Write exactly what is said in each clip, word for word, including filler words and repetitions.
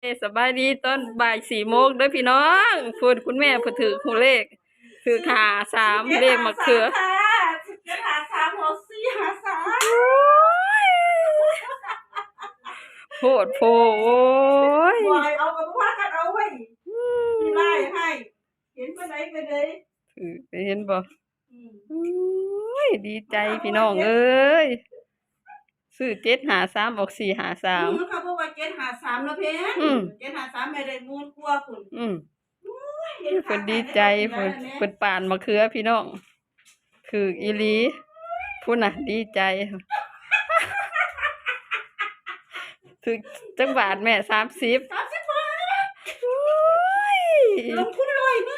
สบายดีตอนบ่ายสี่โมงเด้อพี่น้องพูดคุณแม่พูดถือหูเลขถือขาสามเลขมะเขือเจ็ดหาสามหกสี่หาสามโหดโผโอ้ยบอยเอากับว่ากันเอาไว้ที่ไล่ให้เห็นไปไหนไปเลยถือเห็นบ่ดีใจพี่น้องเอ้ยซื้อเจ็ดหาสามออกสี่หาสามเขาบอกว่าเจ็ดหาสามแล้วเพนเจ็ดหาสามไม่ได้มูลกลัวคุณอืมเพิ่นดีใจเพิ่นเพิ่นป่านมะเขือพี่น้องคืออีหลีพูดน่ะดีใจถึงจังบาทแม่สามสิบสามสิบบาทลงทุนเลยนี่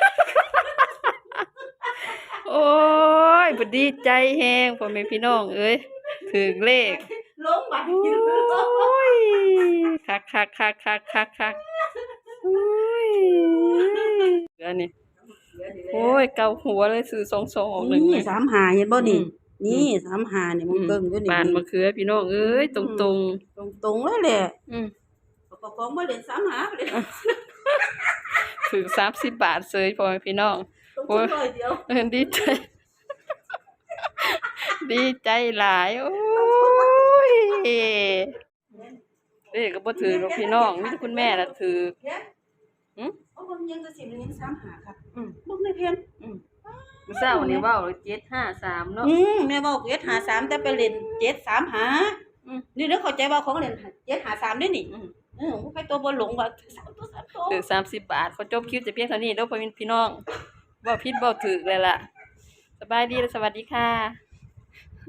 โอ้ยบ่ดีใจแฮงพ่อแม่พี่น้องเอ้ยถึงเลขลงบัตรโอ้ยคักคักคักคักคักคักโอ้ยอันนี้โอ้ยเกาหัวเลยซื้อสองสองออกหนึ่งนี่สามหาเห็นบ่นี่นี่สามหาเนี่ยมันเกิ่งอยู่นี่ปานมะเขือพี่น้องเอ้ยตรงตรงตรงตรงเลยแหละอืมประกองมาเล่นสามหาเลยถึงสามสิบบาทเสยพ่อแม่พี่น้องโอ้ยเออดีใจดีใจหลายโอ้ยเด็กก็บ่ถือหรอกพี่น้องมีแต่คุณแม่ล่ะถือหืมเอาเบิ่งยังจะสิเลี้ยงสามหาครับอืมเบิ่งในเพนอืมมื้อเช้านี่เว้าเจ็ดห้าสามเนาะอืมแม่เว้าเจ็ดห้าสามแต่ไปเล่นเจ็ดสามห้าอืมนี่เด้อเข้าใจว่าของเล่นเจ็ดห้าสามเด้นี่อืมเออใครตัวบ่หลงว่าถือสามตัวสามตัวถือสามสิบบาทขอจบคลิปแต่เพียงเท่านี้เด้อพ่อพี่น้องเว้าผิดเว้าถูกเลยล่ะสบายดีและสวัสดีค่ะ